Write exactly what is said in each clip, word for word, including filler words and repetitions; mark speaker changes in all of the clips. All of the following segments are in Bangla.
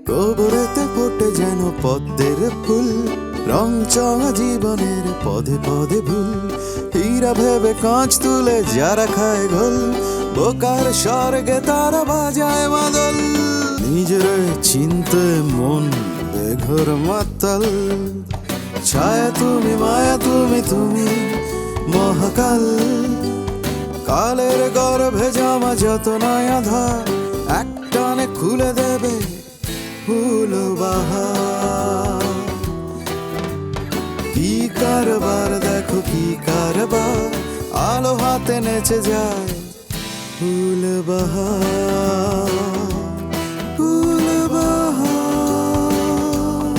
Speaker 1: গোবরেতে ফোটে যেন পদ্মের ফুল, রং চঙা জীবনের পদে পদে ভুল। হীরা ভেবে কাঁচ তুলে যারা খায় ঘোল, বোকার স্বর্গে তারা বাজায় মাদল। নিজের চিনতে মন বেঘর মাতাল, ছায়া তুমি মায়া তুমি তুমি মহাকাল। কালের গর্ভে জামা যত নয়া ধার, একটানে খুলে দেবে ফুল বাহার। কি কারবার দেখো কি কারবার, আলো হাতে নেচে যায় ফুল বাহার, ফুল বাহার।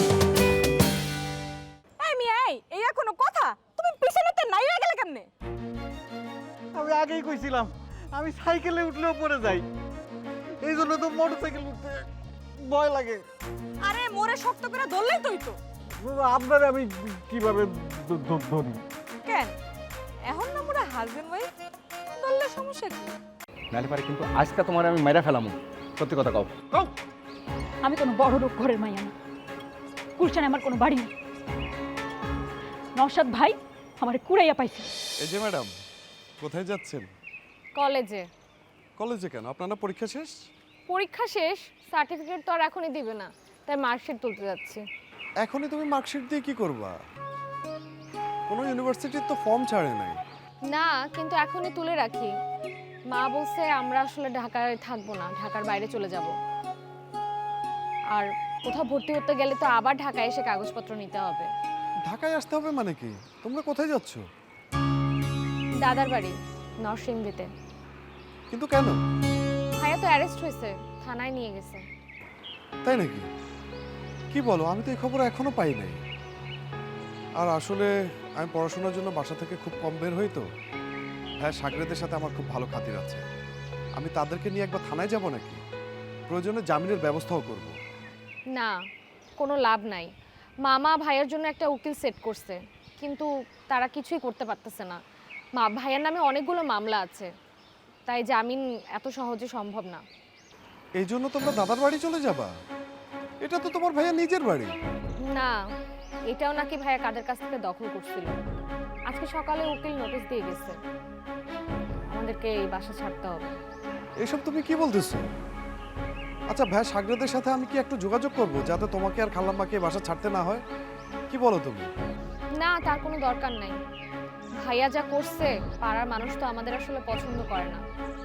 Speaker 2: এই মিয়া, এই এই আর কোনো কথা? তুমি পিছনেতে নাই হয়ে গেলে কেমনে?
Speaker 3: আমি আগেই কইছিলাম আমি সাইকেলে উঠলেও পড়ে যাই, এই জন্য তো মোটরসাইকেল উঠতে ভয় লাগে।
Speaker 2: আরে মোরে শক্ত করে ধরলেই তুই তো।
Speaker 3: আপনার আমি কিভাবে ধ- ধ- ধরি?
Speaker 2: কেন এখন না মোরা হাজবেন্ড ওয়াইফ, ধরলে সমস্যা কি?
Speaker 4: নাহলে পারে কিন্তু আজকে তোমার আমি মেরা ফেলাম। সত্যি কথা কও।
Speaker 3: কও।
Speaker 5: আমি কোনো বড় লোক ঘরের মাইয়া না, কুলশানে আমার কোনো বাড়ি নেই। নওশাদ ভাই আমার কুড়াইয়া পাইছে।
Speaker 6: এই যে ম্যাডাম, কোথায় যাচ্ছেন?
Speaker 7: কলেজে।
Speaker 6: কলেজে কেন? আপনার না পরীক্ষা শেষ?
Speaker 7: পরীক্ষা শেষ, সার্টিফিকেট তো আর এখনই দিবে না, তাই মার্কশিট তুলতে যাচ্ছি।
Speaker 6: এখনই তুমি মার্কশিট দিয়ে কি করবা? কোনো ইউনিভার্সিটির তো ফর্ম ছাড়ে নাই।
Speaker 7: না, কিন্তু এখনই তুলে রাখি। মা বলছে আমরা আসলে ঢাকায় থাকবো না, ঢাকার বাইরে চলে যাব। আর কোথাও ভর্তি হতে গেলে তো আবার ঢাকায় এসে কাগজপত্র নিতে হবে।
Speaker 6: ঢাকায় আসতে হবে মানে কি? তোমরা কোথায় যাচ্ছ?
Speaker 7: দাদার বাড়ি নরসিংদীতে।
Speaker 6: কিন্তু কেন?
Speaker 7: ভাইয়া তো অ্যারেস্ট হয়েছে, থানায় নিয়ে গেছে।
Speaker 6: তাই নাকি? কি বলো, আমি তো এই খবর এখনো পাই নাই। আর আসলে আমি পড়াশোনার জন্য বাসা থেকে খুব কম বের হই তো। হ্যাঁ, সাগরেদের সাথে আমার খুব ভালো খাতির আছে। আমি তাদেরকে নিয়ে একবার থানায় যাব নাকি? প্রয়োজনে জামিনের ব্যবস্থাও করব।
Speaker 7: না, কোনো লাভ নাই। মামা ভাইয়ের জন্য একটা উকিল সেট করছে, কিন্তু তারা কিছুই করতে পারতেছে না। মা ভাইয়ের নামে অনেকগুলো মামলা আছে, তাই জামিন এত সহজে সম্ভব না।
Speaker 6: এই জন্য তোমরা দাদার বাড়ি চলে যাবা? এটা তো তোমার ভাইয়া নিজের বাড়ি।
Speaker 7: না, এটাও নাকি ভাইয়া কাদের কাছ থেকে দখল করছিল। আজকে সকালে উকিল নোটিশ দিয়ে গেছে, আমাদেরকে এই বাসা ছাড়তে হবে।
Speaker 6: এসব তুমি কি বলতেছো? আচ্ছা ভাই, সাগরেদের সাথে আমি কি একটু যোগাযোগ করব যাতে তোমাকে আর খালাম্মাকে এই বাসা ছাড়তে না হয়? কি বলো তুমি?
Speaker 7: না, তার কোনো দরকার নাই। ভাইয়া যা করছে, পাড়ার মানুষ তো আমাদের আসলে পছন্দ করে না।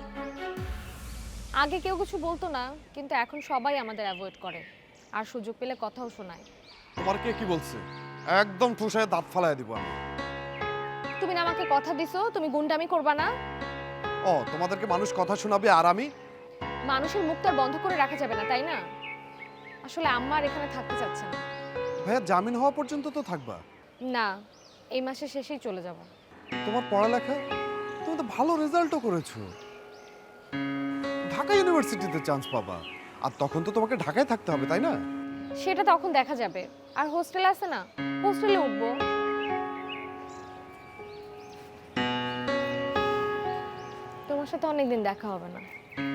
Speaker 7: আগে কেউ কিছু বলতো না, কিন্তু এখন সবাই আমাদের অ্যাভয়েড করে, আর সুযোগ পেলে কথাও শোনায়।
Speaker 6: তোমার কে কি বলছে? একদম ঠুসায় দাঁত ফালায় দিব আমি।
Speaker 7: তুমি না আমাকে কথা দিছো তুমি গুন্ডামি করবা না?
Speaker 6: ও, তোমাদেরকে মানুষ কথা শোনাবে আর আমি?
Speaker 7: মানুষের মুখ তো আর বন্ধ করে রাখা যাবে না, তাই না? আসলে আম্মা আর এখানে থাকতে চাচ্ছে না।
Speaker 6: ভাইয়া জামিন হওয়া পর্যন্ত তো থাকবা?
Speaker 7: না, এই মাসের শেষেই চলে যাব।
Speaker 6: তোমার পড়ালেখা, তুমি তো ভালো রেজাল্টও করেছো, ঢাকা ইউনিভার্সিটিতে চান্স পাবা। আর তখন তো তোমাকে ঢাকায় থাকতে হবে, তাই না?
Speaker 7: সেটা তখন দেখা যাবে। আর হোস্টেল আছে না, হোস্টেলে উঠবো। তোমার সাথে অনেকদিন দেখা হবে না।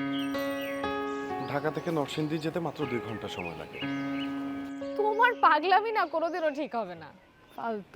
Speaker 6: ঢাকা থেকে নরসিংদী যেতে মাত্র দুই ঘন্টা সময় লাগে।
Speaker 7: তোমার পাগলামি না কোনোদিনও ঠিক হবে না, ফালতু।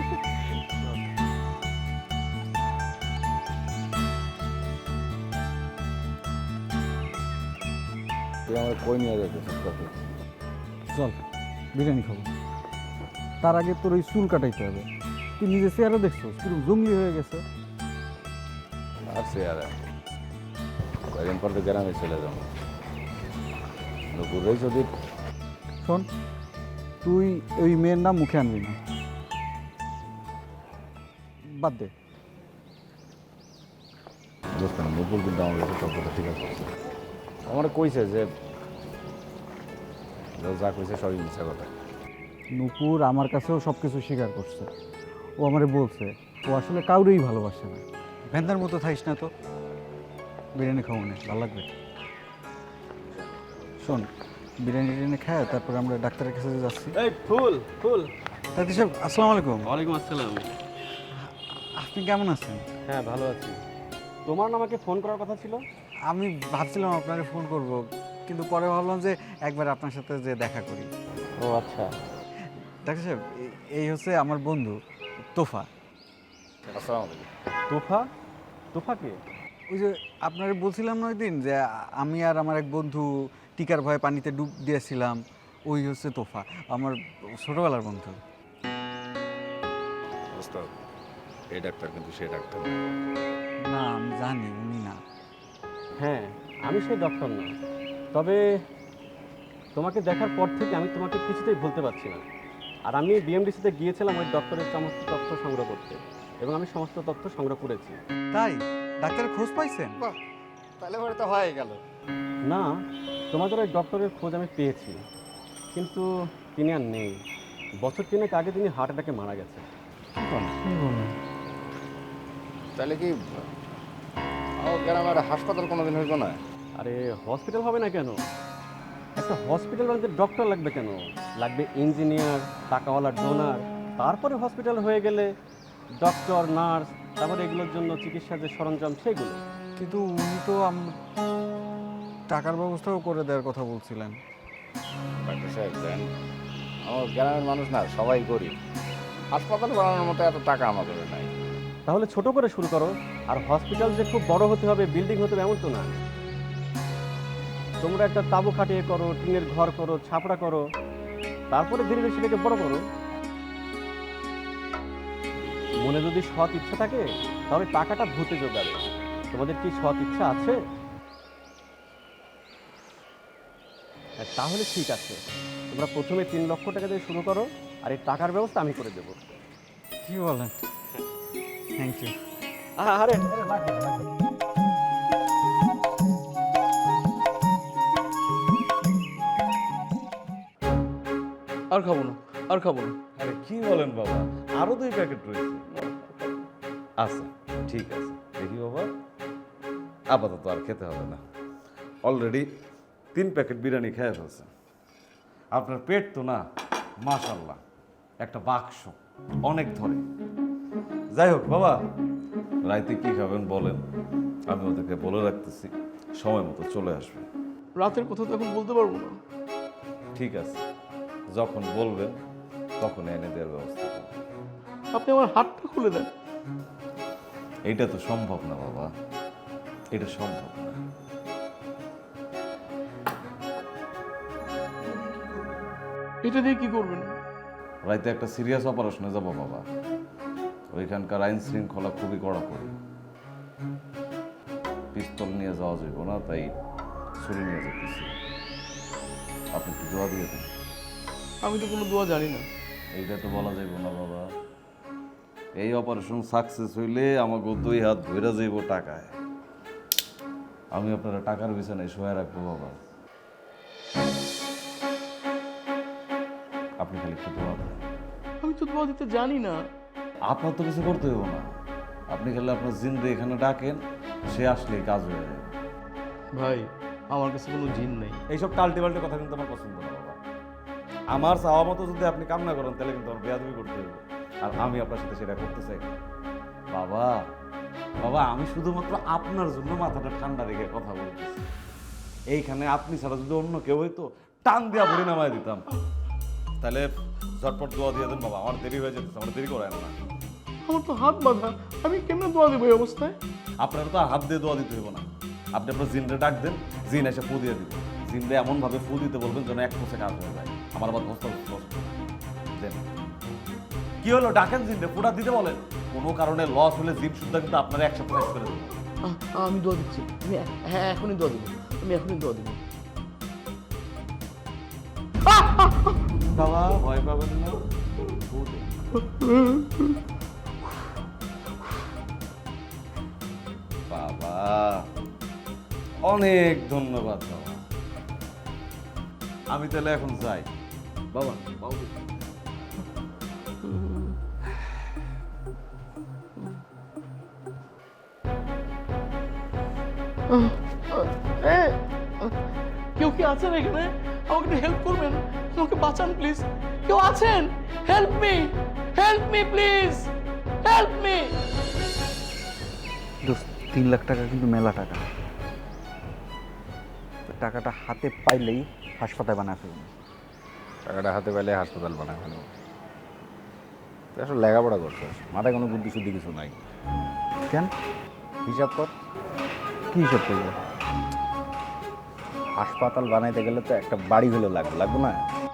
Speaker 4: তুই আমার কই নিয়ে যাইতেছিস তোকে?
Speaker 3: চল বিরিয়ানি খাবো। তার আগে তোর ওই চুল কাটাইতে হবে। তুই নিজে চেহারা দেখছো কিরকম জঙ্গলি হয়ে গেছে।
Speaker 4: আর সে আর কয়েকদিন পর তো গ্রামে চলে যাবো। নুপুরেই যদি
Speaker 3: শোন, তুই ওই মেয়ের নাম মুখে আনবি না, বাদ দে।
Speaker 4: বুঝতে না, নুপুর কিন্তু আমার কাছে সব কথা ঠিক আছে। আমার কইছে যে যা কইছে সবই মিথ্যা কথা।
Speaker 3: নূপুর আমার কাছেও সব কিছু স্বীকার করছে। ও আমারে বলছে ও আসলে কাউরেই ভালোবাসে না। ভেন্দার মতো থাইস না তো, বিরিয়ানি খাবো না, ভালো লাগবে। শোন, বিরিয়ানি টিরিয়ানি খায় তারপরে আমরা ডাক্তারের কাছে যাচ্ছি।
Speaker 8: এই ফুল ফুল
Speaker 3: ডাক্তার সাহেব আসসালামু আলাইকুম।
Speaker 8: ওয়ালাইকুম আসসালাম।
Speaker 3: আপনি কেমন আছেন?
Speaker 8: হ্যাঁ, ভালো আছি। তোমার না আমাকে ফোন করার কথা ছিল?
Speaker 3: আমি ভাবছিলাম আপনাকে ফোন করব, কিন্তু পরে ভাবলাম যে একবার আপনার সাথে যে দেখা করি।
Speaker 8: ও আচ্ছা।
Speaker 3: ডাক্তার সাহেব, এ- এই হচ্ছে আমার বন্ধু তোফা।
Speaker 4: আসসালামু আলাইকুম।
Speaker 8: তোফা? তোফা কে?
Speaker 3: ওই যে আপনারা বলছিলাম না ওই দিন যে আমি আর আমার এক বন্ধু টিকার ভয়ে পানিতে ডুব দিয়েছিলাম, ওই হচ্ছে তোফা, আমার ছোটবেলার বন্ধু।
Speaker 4: ওস্তাদ, এই ডাক্তার কিন্তু সেই ডাক্তার না।
Speaker 3: না, আমি জানি উনি না।
Speaker 8: হ্যাঁ, আমি সেই ডক্টর না, তবে তোমাকে দেখার পর থেকে আমি তোমাকে কিছুতেই ভুলতে পারছি না। আর আমি বিএমডিসিতে গিয়েছিলাম ওই ডক্টরের সমস্ত তথ্য সংগ্রহ করতে, এবং আমি সমস্ত তথ্য সংগ্রহ করেছি।
Speaker 3: তাই ডাক্তারের খোঁজ পাইছেন?
Speaker 1: তাহলে পরে তো হয়ে গেল।
Speaker 8: না, তোমাদের ওই ডক্টরের খোঁজ আমি পেয়েছি, কিন্তু তিনি আর নেই। বছর তিনেক আগে তিনি হার্ট অ্যাটাকে মারা গেছেন।
Speaker 4: তাহলে কি ও গ্রামের হাসপাতাল কোনোদিন হইব না?
Speaker 8: আরে হসপিটাল হবে না কেন? একটা হসপিটাল বানাতে ডক্টর লাগবে কেন? লাগবে ইঞ্জিনিয়ার, টাকাওয়ালা ডোনার, তারপরে হসপিটাল হয়ে গেলে ডক্টর, নার্স, তারপরে এগুলোর জন্য চিকিৎসার যে সরঞ্জাম সেগুলো।
Speaker 3: কিন্তু উনি তো আম- টাকার ব্যবস্থাও করে দেওয়ার কথা বলছিলেন।
Speaker 4: ডাক্তার সাহেব দেন, আমার গ্রামের মানুষ না সবাই গরিব, হাসপাতাল বানানোর মতো এত টাকা আমাদের নাই।
Speaker 8: তাহলে ছোট করে শুরু করো। আর হসপিটাল যে খুব বড় হতে হবে, বিল্ডিং হতে হবে এমন তো না। তোমরা একটা তাঁবু খাটিয়ে করো, টিনের ঘর করো, ছাপড়া করো, তারপরে ধীরে ধীরে সেটাকে বড় করো। মনে যদি সৎ ইচ্ছা থাকে তাহলে টাকাটা ভূতে জোগাবে। তোমাদের কি সৎ ইচ্ছা আছে? হ্যাঁ, তাহলে ঠিক আছে, তোমরা প্রথমে তিন লক্ষ টাকা দিয়ে শুরু করো, আর এই টাকার ব্যবস্থা আমি করে দেবো।
Speaker 3: কি বলেন? Thank you.
Speaker 8: আরে
Speaker 9: আর খাবো না, আর খাবো না।
Speaker 10: আরে কি বলেন বাবা, আরো দুই প্যাকেট রয়েছে। আচ্ছা ঠিক আছে, দেখি বাবা, আপাতত আর খেতে হবে না, অলরেডি তিন প্যাকেট বিরিয়ানি খেয়ে ফেলছে। আপনার পেট তো না মাশাল্লাহ একটা বাক্স, অনেক ধরে। যাই হোক বাবা, রাইতে কি খাবেন বলেন, আমি ওদেরকে বলে রাখতেছি, সময় মতো চলে আসবে।
Speaker 9: রাতের কথা তো এখন বলতে পারবো না।
Speaker 10: ঠিক আছে, যখন বলবেন তখন এনে দেওয়ার ব্যবস্থা করব।
Speaker 9: আপনি আমার হাতটা খুলে দেন।
Speaker 10: এটা তো সম্ভব না বাবা, এটা সম্ভব না।
Speaker 9: এটা দিয়ে কি করবেন?
Speaker 10: রাইতে একটা সিরিয়াস অপারেশনে যাব বাবা, ওইখানকার আইন শৃঙ্খলা খুবই কড়াকড়ি। পিস্তল নিয়ে যাওয়া যাইব না, তাই ছুরি নিয়ে যেতেছি। আপনি একটু দোয়া দিয়ে দেন।
Speaker 9: আমি তো কোনো দোয়া জানি না।
Speaker 10: এইটা তো বলা যাইব না বাবা, এই অপারেশন সাকসেস হইলে আমাকে দুই হাত ধইরা যাইব টাকায়। আমি আপনারা টাকার বিছানায় শোয়া রাখবো বাবা, আপনি খালি একটু দোয়া দেন।
Speaker 9: আমি তো দোয়া দিতে জানি না।
Speaker 10: আপনার তো কিছু করতে হইব না, আপনি খালি আপনার জিন্দে এখানে ডাকেন, সে আসলেই কাজ হয়ে যাবে।
Speaker 9: ভাই, আমার কাছে কোনো জিন নেই।
Speaker 10: এইসব টাল্টে পাল্টে কথা কিন্তু আমার পছন্দ না বাবা। আমার চাওয়া মতো যদি আপনি কাম না করেন তাহলে কিন্তু আমার বেয়াদবি করতে হবে, আর আমি আপনার সাথে সেটা করতে চাই না। বাবা বাবা আমি শুধুমাত্র আপনার জন্য মাথাটা ঠান্ডা রেখে কথা বলতেছি। এইখানে আপনি ছাড়া যদি অন্য কেউ হইতো টান দিয়া ভরে নামায় দিতাম। তাহলে ঝটপট দোয়া দিয়ে দেন বাবা, আমার দেরি হয়ে যেতেছে, আমার দেরি করেন না।
Speaker 9: আমার তো হাত বাঁধা, আমি কেমনে দোয়া দেবো এই অবস্থায়?
Speaker 10: আপনারা তো আর হাত দিয়ে দোয়া দিতে হইব না, আপনি আপনার জিনরে ডাক দেন, জিন এসে ফু দিয়ে দিবেন। জিনরে এমনভাবে ফু দিতে বলবেন যেন এক কোষে কাজ হয়ে যায়। আমার আবার ধস্ত দেন। কি হলো, ডাকেন জিনরে, ফুটা দিতে বলেন। কোনো কারণে লস হলে জিন শুদ্ধ কিন্তু আপনারা একসাথে শেষ করে দেবেন।
Speaker 9: আহ, আমি দোয়া দিচ্ছি। আমি হ্যাঁ এখনই দোয়া দেবো, আমি এখনই দোয়া দেবো।
Speaker 10: বাবা ভয় পাবেন না, ফু দেন। বাবা অনেক ধন্যবাদ বাবা, আমি তাহলে এখন যাই। বাবা বাবু
Speaker 9: এ, কেউ কি আছেন এখানে? আমাকে একটু হেল্প করবেন, আমাকে বাঁচান প্লিজ। কেউ আছেন? Help me, help me please, help me.
Speaker 3: দোস্ত, তিন লাখ টাকা কিন্তু মেলা টাকা। টাকাটা হাতে পাইলেই হাসপাতাল বানা ফেলবো।
Speaker 4: টাকাটা হাতে পেলে হাসপাতাল বানায় ফেলো। তুই আসলে লেখাপড়া করছিস, মাথায় কোনো বুদ্ধি শুদ্ধি কিছু নাই।
Speaker 3: কেন?
Speaker 4: হিসাব কর,
Speaker 3: কী হিসাব করবো?
Speaker 4: হাসপাতাল বানাইতে গেলে তো একটা বাড়ি হলে লাগবে, লাগবে না?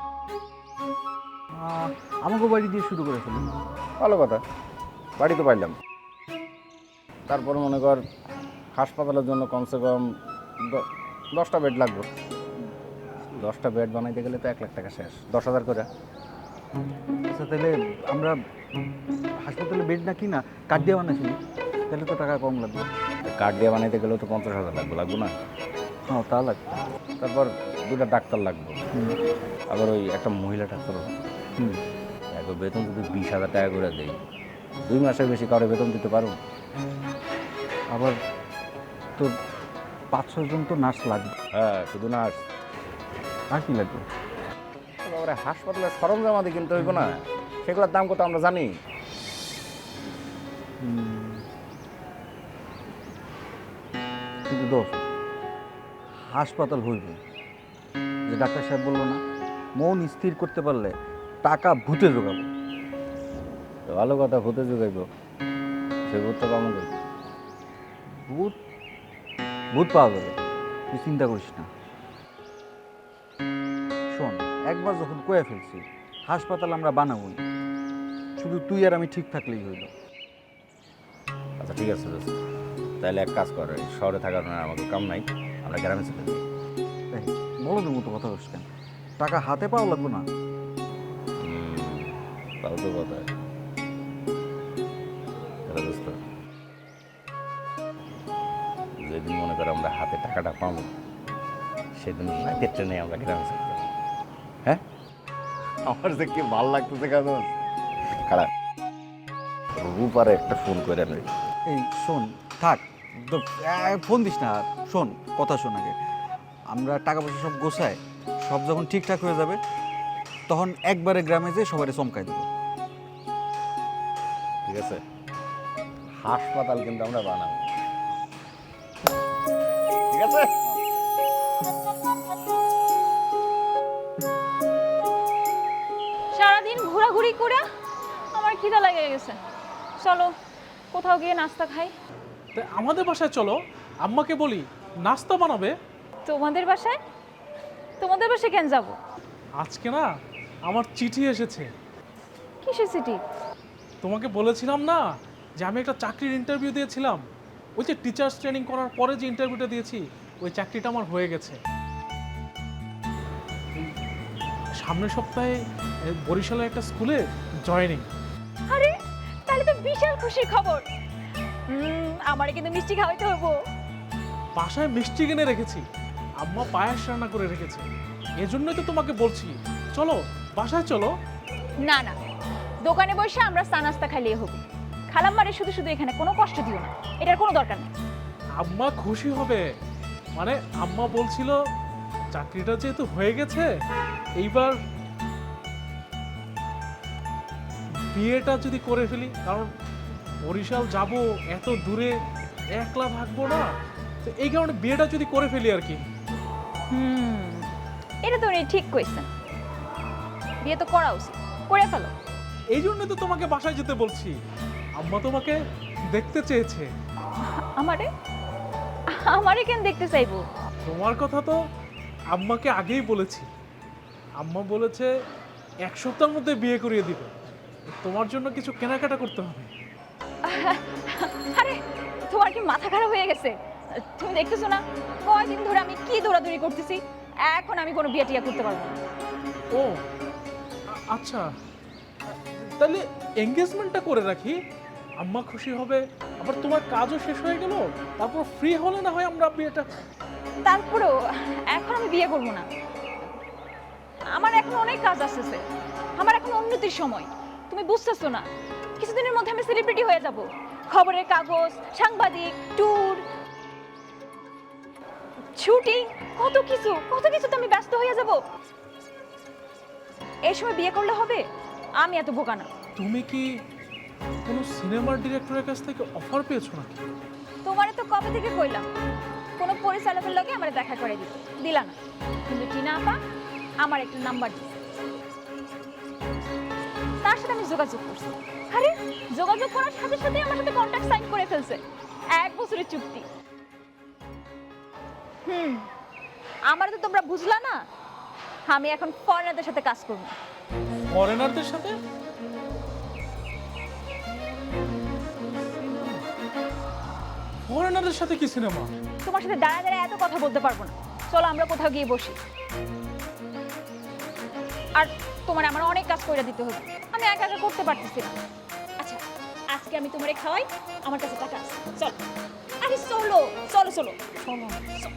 Speaker 3: আহ, আমাকে বাড়ি দিয়ে শুরু করে ফেলুন।
Speaker 4: ভালো কথা, বাড়ি তো পাইলাম। তারপর মনে কর হাসপাতালের জন্য কমসে কম দ- দশটা বেড লাগবে। দশটা বেড বানাইতে গেলে তো এক লাখ টাকা শেষ, দশ হাজার করে।
Speaker 3: আচ্ছা তাহলে আমরা হাসপাতালে বেড না কিনা কার্ড দিয়ে বানাইছি, তাহলে তো টাকা কম লাগবে।
Speaker 4: কার্ড দিয়ে বানাইতে গেলেও তো পঞ্চাশ হাজার লাগবে, লাগবে না?
Speaker 3: হ্যাঁ তা লাগবে।
Speaker 4: তারপর দুটা ডাক্তার লাগবে,
Speaker 3: হুম
Speaker 4: আবার ওই একটা মহিলা ডাক্তার।
Speaker 3: হুম
Speaker 4: একবার বেতন যদি বিশ হাজার টাকা করে দেয়, দুই মাসের বেশি কারো বেতন দিতে পারো?
Speaker 3: আবার তোর পাঁচ ছজন তো নার্স লাগবে।
Speaker 4: হ্যাঁ, শুধু না
Speaker 3: আর কি লাগবে?
Speaker 4: তারপরে হাসপাতালের সরঞ্জাম আদি কিনতে হইব না, সেগুলোর দাম কত আমরা জানি।
Speaker 3: হুম। কিন্তু দোষ হাসপাতাল হইবে, যে ডাক্তার সাহেব বললো না, মন স্থির করতে পারলে টাকা ভূতে জোগাবো।
Speaker 4: তো ভালো কথা, ভূতে যোগাইব, সে ভূতটা কেমন করবে?
Speaker 3: ভূত ভূত পাওয়া যাবে, তুই চিন্তা করিস না। শোন, একবার যখন কয়ে ফেলছি হাসপাতাল আমরা বানাবোই, শুধু তুই আর আমি ঠিক থাকলেই হইল।
Speaker 4: আচ্ছা ঠিক আছে দোস্ত, তাহলে এক কাজ কর, এই শহরে থাকার না আমাকে কাম নাই, আমরা গ্রামে চলে যাই।
Speaker 3: এই, বলদের মতো কথা বলিস কেন? টাকা হাতে পাওয়া লাগবে না?
Speaker 4: হুম, তাও তো কথা। তাহলে দোস্ত, যেদিন মনে করো আমরা হাতে টাকাটা পাবো, সেদিন রাতের ট্রেনে আমরা গ্রামে চলে যাবো। হ্যাঁ, আমার যে কি ভালো লাগতেছে কেন। খারাপ রূপারে একটা ফোন করে নেই।
Speaker 3: এই শোন, থাক তো, আহ, ফোন দিস না আর। শোন, কথা শোন আগে, আমরা টাকা পয়সা সব গোছায়, সব যখন ঠিকঠাক হয়ে যাবে তখন একবারে গ্রামে যেয়ে সবাই চমকাই দেবো।
Speaker 4: ঠিক আছে, হাসপাতাল কিন্তু আমরা বানাবো, ঠিক আছে?
Speaker 5: সারাদিন ঘোরাঘুরি করে আমার খিদা লেগে গেছে, চলো কোথাও গিয়ে নাস্তা খাই।
Speaker 9: তাই আমাদের বাসায় চলো, আম্মাকে বলি নাস্তা বানাবে।
Speaker 5: তোমাদের বাসায়? তোমাদের বাসায় কেন যাব?
Speaker 9: আজকে না আমার চিঠি এসেছে।
Speaker 5: কিসের সিটি?
Speaker 9: তোমাকে বলেছিলাম না যে আমি একটা চাকরির ইন্টারভিউ দিয়েছিলাম, ওই যে টিচার্স ট্রেনিং করার পরে যে ইন্টারভিউটা দিয়েছি, ওই চাকরিটা আমার হয়ে গেছে। এই সামনের সপ্তাহে এ, বরিশালে একটা স্কুলে জয়েনিং।
Speaker 5: আরে তাহলে তো বিশাল খুশির খবর। হুম, আমারে কিন্তু মিষ্টি খাওয়াইতে হবো।
Speaker 9: বাসায় মিষ্টি কিনে রেখেছি, আম্মা পায়েস রান্না করে রেখেছে, এজন্যই তো তোমাকে বলছি চলো বাসায় চলো।
Speaker 5: না না, দোকানে বসে আমরা চা নাস্তা খাইলেই হবো। খালাম্মারে শুধু শুধু এখানে কোনো কষ্ট দিও না, এটার কোনো দরকার নেই।
Speaker 9: আম্মা খুশি হবে, মানে আম্মা বলছিল চাকরিটা যেহেতু হয়ে গেছে, এইবার বিয়েটা যদি করে ফেলি, কারণ বরিশাল যাব এত দূরে, একলা থাকবো না, তো এই কারণে বিয়েটা যদি করে ফেলি আর কি।
Speaker 5: হুম, এটা তো উনি ঠিক কইছেন, বিয়ে তো করা উচিত, করে ফেলো।
Speaker 9: এই জন্য তো তোমাকে বাসায় যেতে বলছি, আম্মা তোমাকে দেখতে চেয়েছে।
Speaker 5: আমারে আমারে কেন দেখতে চাইবো?
Speaker 9: তোমার কথা তো আম্মাকে আগেই বলেছি, আম্মা বলেছে এক সপ্তাহের মধ্যে বিয়ে করিয়ে দিবে, তোমার জন্য কিছু কেনাকাটা করতে হবে।
Speaker 5: আরে তোমার কি মাথা খারাপ হয়ে গেছে? তুমি দেখতেছো না কয়দিন ধরে আমি কি দৌড়াদৌড়ি করতেছি? এখন আমি কোনো বিয়ে টিয়া করতে পারবো না।
Speaker 9: ও আ- আচ্ছা, তাহলে এঙ্গেজমেন্টটা করে রাখি, আম্মা খুশি হবে, আবার তোমার কাজও শেষ হয়ে গেল, তারপর ফ্রি হলে না হয় আমরা বিয়েটা।
Speaker 5: তারপরেও এখন আমি বিয়ে করবো না, আমার এখন অনেক কাজ আসতেছে, আমার এখন উন্নতির সময়। তুমি বুঝতেছো না, কিছুদিনের মধ্যে আমি সেলিব্রিটি হয়ে যাব, খবরের কাগজ, সাংবাদিক, ট্যুর, শুটিং, কত কিছু কত কিছু তো আমি ব্যস্ত হয়ে যাব। এই সময় বিয়ে করলে হবে? আমি এত বোকা না।
Speaker 9: তুমি কি কোনো সিনেমার ডিরেক্টরের কাছ থেকে অফার পেয়েছো নাকি?
Speaker 5: তোমারে তো কবে থেকে কইলাম কোনো পরিচালকের লগে আমার দেখা করে দিতে দিলা না, কিন্তু টিনা আপা আমার একটা নাম্বার দিছে, তার সাথে আমি যোগাযোগ করছি। আরে যোগাযোগ করার সাথে সাথে আমার সাথে কন্ট্রাক্ট সাইন করে ফেলছে, এক বছরের চুক্তি। হুম, আমার তো তোমরা বুঝলা না, আমি এখন ফরেনারদের সাথে কাজ করব।
Speaker 9: ফরেনারদের সাথে? ফরেনারদের সাথে কি সিনেমা?
Speaker 5: তোমার সাথে দাঁড়ায় দাঁড়ায় এত কথা বলতে পারবো না, চলো আমরা কোথাও গিয়ে বসি। আর তোমার আমার অনেক কাজ করে দিতে হবে, আমি একা একা করতে পারতেছি না। আচ্ছা আজকে আমি তোমারে খাওয়াই, আমার কাছে টাকা আছে, চলো। আরে চলো চলো চলো চলো।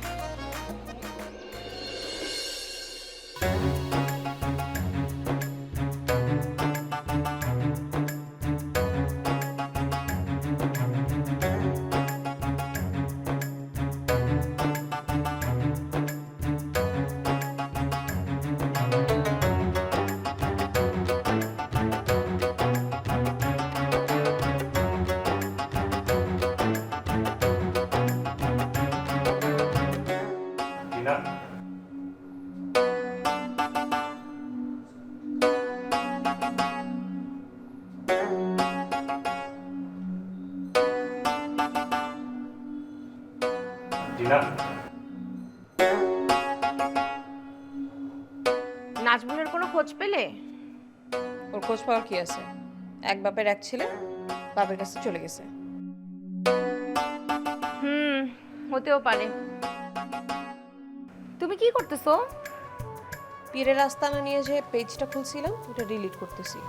Speaker 2: নাজমুলের কোনো খোঁজ পেলে? ওর খোঁজ পাওয়ার কি আছে, এক বাপের এক ছেলে, বাপের কাছে চলে গেছে।
Speaker 7: হুম, হতেও পারে। তুমি কি করতেছো?
Speaker 2: পীরের আস্তানা নিয়ে যে পেজটা খুলছিলাম ওটা ডিলিট করতেছি।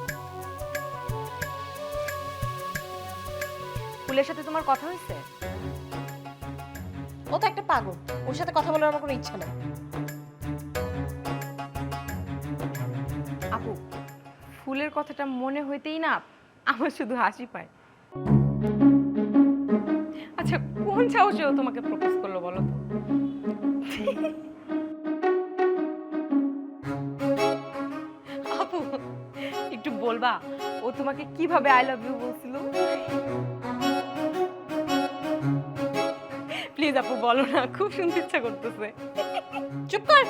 Speaker 7: ফুলের সাথে তোমার কথা হয়েছে?
Speaker 2: ও তো একটা পাগল, ওর সাথে কথা বলার আমার কোনো ইচ্ছা নেই।
Speaker 7: আপু, ফুলের কথাটা মনে হইতেই না আমার শুধু হাসি পায়। আচ্ছা কোন সাহসে ও তোমাকে প্রপোজ করলো বলো তো? আপু একটু বলবা ও তোমাকে কিভাবে আই লাভ ইউ বলছিল? প্লিজ আপু বলো না, খুব শুনতে ইচ্ছা করতেছে।
Speaker 2: চুপ কর।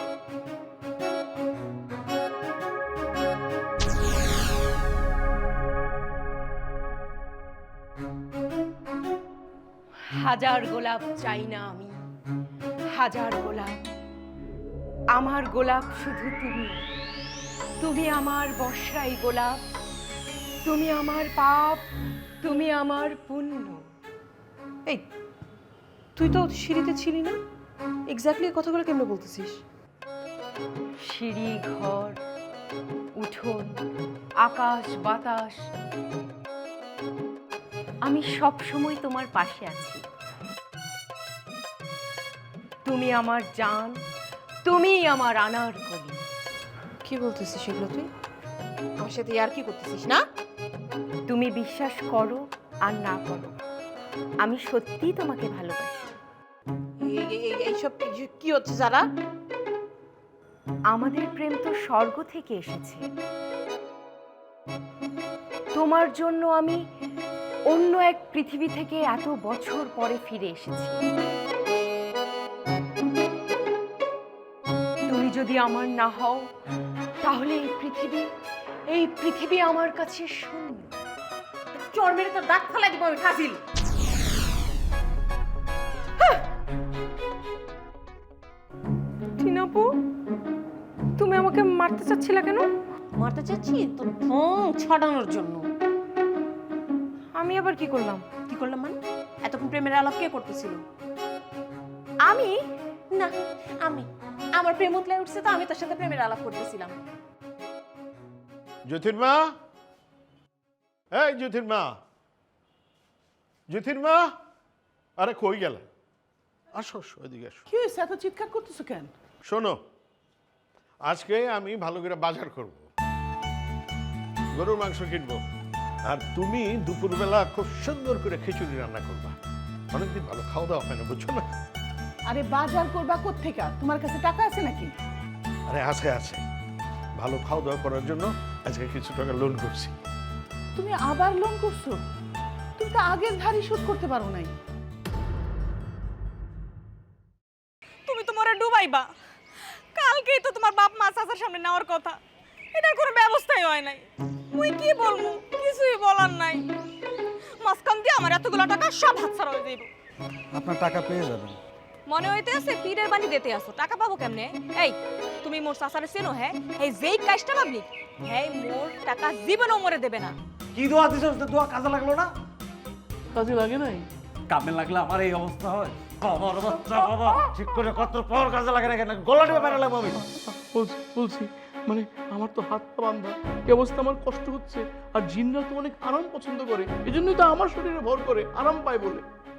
Speaker 7: হাজার গোলাপ চাই না আমি, হাজার গোলাপ, আমার গোলাপ শুধু তুমি। তুমি আমার বর্ষাই গোলাপ, তুমি আমার পাপ, তুমি আমার পুণ্য।
Speaker 2: এই তুই তো সিঁড়িতে ছিলি না, এক্স্যাক্টলি কথাগুলো কেমনে বলতেছিস?
Speaker 7: সিঁড়ি, ঘর, উঠোন, আকাশ বাতাস, আমি সব সময় তোমার পাশে আছি। তুমি আমার জান, তুমি আমার আনারকলি।
Speaker 2: কি বলতেছিস এগুলো তুই? আমার সাথে আর কি করতেছিস না?
Speaker 7: তুমি বিশ্বাস করো আর না করো, আমি সত্যিই তোমাকে ভালোবাসি।
Speaker 2: এই- এই- এই- এইসব কি- কি হচ্ছে যারা?
Speaker 7: আমাদের প্রেম তো স্বর্গ থেকে এসেছে। তোমার জন্য আমি অন্য এক পৃথিবী থেকে এত বছর পরে ফিরে এসেছি। তুমি যদি আমার না হও তাহলে এই পৃথিবী এই পৃথিবী আমার কাছে শূন্য।
Speaker 2: চোর মেরে তোর দাঁত ফেলা দিব আমি, ফাজিল।
Speaker 7: টিনাপু, তুমি আমাকে মারতে চাচ্ছিলা কেন?
Speaker 2: মারতে চাচ্ছি তো ঠোং ছড়ানোর জন্য।
Speaker 7: আমি আবার কি করলাম?
Speaker 2: কি করলাম মানে? এতক্ষণ প্রেমের আলাপ কে করতেছিল?
Speaker 7: আমি
Speaker 2: না, আমি আমার প্রেম উতলায় উঠছে তো আমি তার সাথে প্রেমের আলাপ করতেছিলাম।
Speaker 11: জ্যোতির্মা, এই জ্যোতির্মা, জ্যোতির্মা, আরে কই গেল? আসো আসো, এদিকে আসো।
Speaker 9: কি হয়েছে, এত চিৎকার করতেছো কেন?
Speaker 11: শোনো, আজকে আমি ভালো করে বাজার করব, গরুর মাংস কিনবো, আর তুমি দুপুরবেলা খুব সুন্দর করে খিচুড়ি রান্না করবা। অনেকদিন ভালো খাওয়া দাওয়া হয় না, বুঝছো না?
Speaker 9: আরে বাজার করবা কোত্থেকা? তোমার কাছে টাকা আছে নাকি?
Speaker 11: আরে আছে আছে, ভালো খাওয়া দাওয়া করার জন্য আজকে কিছু টাকা লোন করছি।
Speaker 9: তুমি আবার লোন করছো? তুমি তো আগের ধারই শোধ করতে পারো নাই।
Speaker 2: পাইবা? কালকেই তো তোমার বাপ মা চাচার সামনে নেওয়ার কথা, এটার কোনো ব্যবস্থাই হয় নাই। মুই কি বলবো, কিছুই বলার নাই। মাঝখান দিয়ে আমার এতগুলো টাকা সব হাতছাড়া হয়ে যাইব।
Speaker 3: আপনার টাকা পেয়ে যাবেন।
Speaker 2: মনে হইতে আছে পীরের বাণী দিতে আসো, টাকা পাবো কেমনে? এই তুমি মোর চাচারে চেনো? হ্যাঁ, এই যেই কাজটা ভাবলি, হ্যাঁ মোর টাকা জীবনও মরে দেবে না।
Speaker 10: কি দোয়া দিছ, দোয়া কাজে লাগলো না?
Speaker 9: কাজে লাগে নাই?
Speaker 10: কামে লাগলে আমার এই অবস্থা হয়? আমার বাচ্চা বাবা ঠিক করে কত পর কাজে লাগে না কেন? গলা টিপে মেরে লাগবো আমি।
Speaker 9: বলছি বলছি মানে আমার তো হাত পা বান্ধা, এই অবস্থা আমার কষ্ট হচ্ছে। আর জিনরা তো অনেক আরাম পছন্দ করে, এই জন্যই তো আমার শরীরে ভর করে, আরাম পায় বলে।